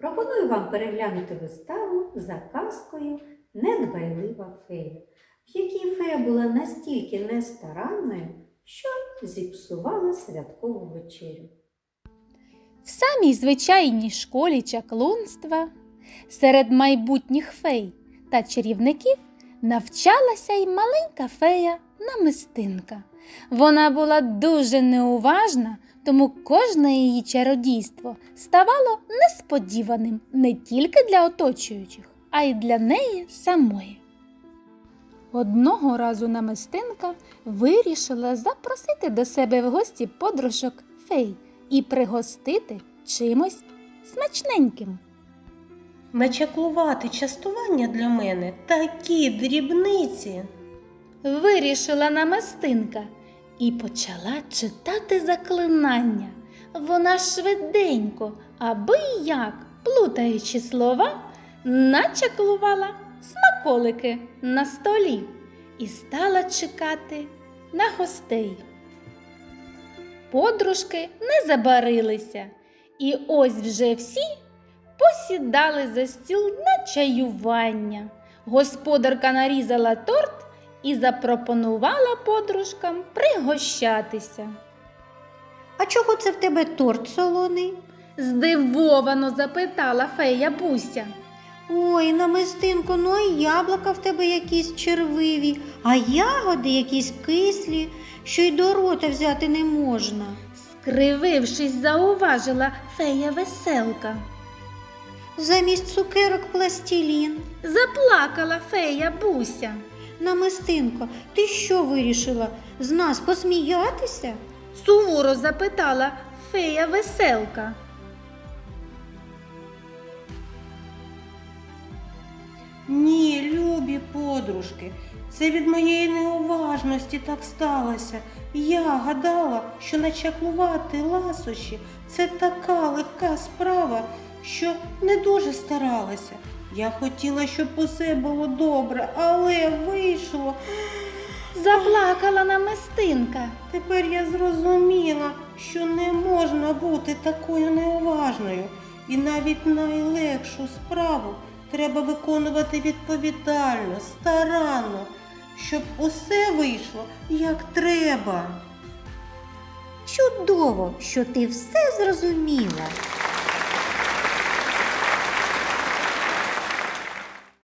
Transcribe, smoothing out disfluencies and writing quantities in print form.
Пропоную вам переглянути виставу за казкою «Недбайлива фея», в якій фея була настільки нестаранною, що зіпсувала святкову вечерю. В самій звичайній школі чаклунства серед майбутніх фей та чарівників навчалася й маленька фея Намистинка. Вона була дуже неуважна, тому кожне її чародійство ставало несподіваним не тільки для оточуючих, а й для неї самої. Одного разу Намистинка вирішила запросити до себе в гості подружок фей і пригостити чимось смачненьким. Начаклувати частування для мене такі дрібниці. Вирішила Намистинка і почала читати заклинання. Вона швиденько, аби як, плутаючи слова, начаклувала смаколики на столі і стала чекати на гостей. Подружки не забарилися, і ось вже всі посідали за стіл на чаювання. Господарка нарізала торт і запропонувала подружкам пригощатися. «А чого це в тебе торт солоний?» – здивовано запитала фея Буся. «Ой, Намистинко, ну а яблука в тебе якісь червиві, а ягоди якісь кислі, що й до рота взяти не можна». Скривившись, зауважила фея Веселка. «Замість цукерок пластилін». Заплакала фея Буся. «Намистинко, ти що вирішила, з нас посміятися?» Суворо запитала фея Веселка. Ні, любі подружки, це від моєї неуважності так сталося. Я гадала, що начаклувати ласощі – це така легка справа, що не дуже старалася. Я хотіла, щоб усе було добре, але вийшло. Заплакала Намистинка. Тепер я зрозуміла, що не можна бути такою неуважною. І навіть найлегшу справу треба виконувати відповідально, старанно, щоб усе вийшло як треба. Чудово, що ти все зрозуміла.